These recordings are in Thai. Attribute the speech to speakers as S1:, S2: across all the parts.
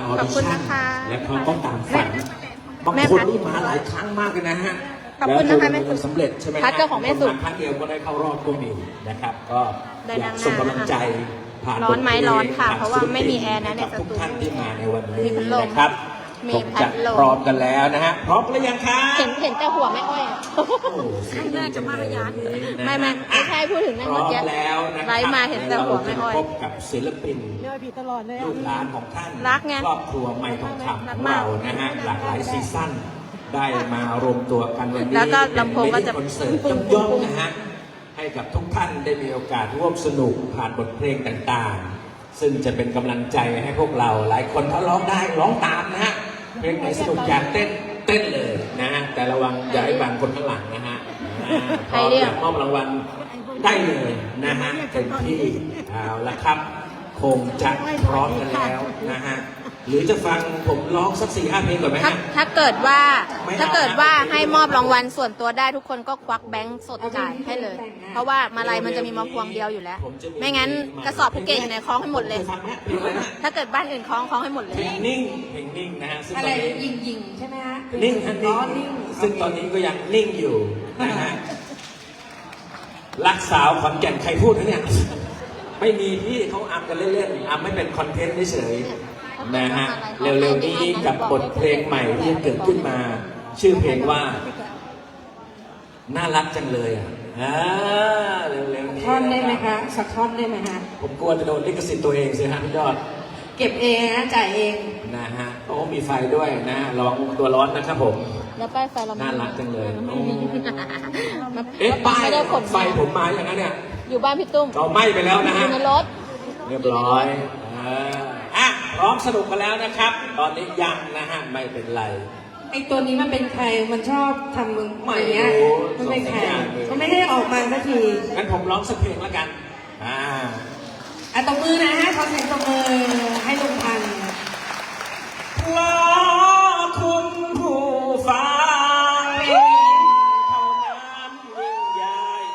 S1: ออดิชั่นและเขาก็ตามฝันบางคนนี่มาหลายครั้งมากเลยนะฮะ
S2: ขอบคุณนะคะแม่สุ
S1: สำเร็จใช่ไหม
S2: พัดเจ้าของแม่สุ
S1: ครั้งเดียวก็ได้เข้ารอบก็มีนะครับก็อยากส่งกำลังใจผ่าน
S2: ร้อนไหมร้อนค่ะ
S1: ผ่
S2: เพราะว่าไม่มีแอร์นะใน
S1: กับ
S2: ส
S1: ทุก
S2: ตู
S1: ท่านที่มาในวัน
S2: มี
S1: นี้
S2: พัดลม
S1: นะครับ
S2: มี
S1: คง
S2: พั
S1: จะ
S2: ดลม
S1: พร้อมกันแล้วนะฮะพร้อมหรือยังครับ
S2: เห็นแต่หัวไม่อ้อยอะ
S1: โอ้โหเสียงดีจังเลยนะฮะ
S2: ไม่ใช่พูดถึงนั่น
S1: พร้
S2: เมื่
S1: อ
S2: อ
S1: ม
S2: กี้
S1: แล้วนะค
S2: ไล
S1: รับ
S2: ฟ์มาเห็นแต่หัวไม่อ้อย
S1: พบกับศิลปินลูกหลานของท่าน
S2: รักไง
S1: ครอบครัวไม่ทองคำ
S2: รั
S1: ข
S2: ก
S1: อง
S2: มาก
S1: เรานะฮะหลากหลายซีซั่นได้มารวมตัวกันวันนี้
S2: แล้วก็ลำโพงก็จะ
S1: เป็นมินิคอนเสิร์ตย่อมๆนะฮะให้กับทุกท่านได้มีโอกาสร่วมสนุกผ่านบทเพลงต่างๆ ซึ่งจะเป็นกำลังใจให้พวกเราหลายคนถ้าร้องได้ร้องตามนะฮะเพลงไหนสนุกอยากเต้นเลยนะฮะแต่ระวังอย่าให้บังคนข้างหลังนะฮะพร้อมอยากมอบรางวัลได้เลยนะฮะเต็มที่เอาละครับ คงจะพร้อมกันแล้วนะฮะหรือจะฟังผมร้องสัก4-5เพลงก่อนไหมฮะ
S2: ถ้าเกิดว่าให้มอบรางวัลส่วนตัวได้ทุกคนก็ควักแบงค์สดจ่ายให้เลย เพราะว่ามาลัยมันจะมีมาพวงเดียวอยู่แล้ว ไม่งั้นกระสอบภูเก็ตอยู่ในคล้องให้หมดเลย ถ้าเกิดบ้านอื่นคล้องให้หมดเลย
S1: เพลงนิ่งนะฮะซึ่งต
S3: อะ
S1: อ
S3: ไร
S1: นนี้
S3: ยิงใช่ไหมฮะ
S1: นิ่งฮะ
S3: อ๋
S1: นิ่
S3: อง
S1: ซึ่งตอนนี้ก็ยังนิ่งอยู่นะฮะรักสาวขอนแก่นใครพูดนะเนี่ยไม่มีพี่เขาอัพกันเล่นๆอัพไม่เป็นคอนเทนต์เฉยๆนะฮะเร็วๆนี้กับบทเพลงใหม่ที่เกิดขึ้นมา ชื่อเพลงว่าน่ารักจังเลยอ่ะเร็วๆนี้
S3: ท่อนได้ไหมคะสักท่อนได้ไหมฮะ
S1: ผมกลัวจะโดนลิขสิทธิ์ตัวเองสิฮะพี่ยอด
S3: เก็บเองนะจ่ายเอง
S1: นะฮะโอ้มีไฟด้วยนะระวังตัวร้อนนะครับผม
S2: แล้วป้ายไฟเรา
S1: น่ารักจังเลย
S2: ไม่มี
S1: เอ๊ะป้าย
S2: ไม่ได้ขน
S1: ไฟผมมาอย่างนั้นเนี่ย
S2: อยู่บ้านพี่ตุ้ม
S1: ก็ไหม้ไปแล้วนะ
S2: อ
S1: ฮะ
S2: ยู่ในรถ
S1: เรียบร้อยอ่ะพร้อมสนุกกันแล้วนะครับ ตอนนี้ยังนะฮะไม่เป็นไร
S3: ไอตัวนี้มันเป็นใครมันชอบทำมึง
S1: ไม่
S3: อย่างเงี้ย
S1: รู้
S3: มันเป็นใคร
S1: ส่งสัญญาณเลย
S3: มันไม่ให้ออกมาสักที
S1: งั้นผมร้องสักเพลงแล้วกัน
S3: ตบมือนะฮะขอเสียงตบมือให้ลุงพันธุ์
S1: เพราะคุณผู้ฟังเท่านั้นยิ่งใหญ่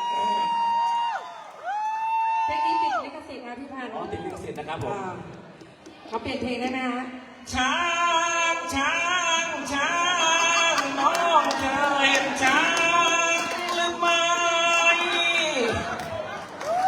S3: เพลงนี้ติดลิขสิทธิ์นะพี่พันธุ์
S1: อ๋อติดลิขสิทธิ์นะครับผม
S3: เขาเปลี่ยนเพลงได้ไหมฮะ
S1: ช้า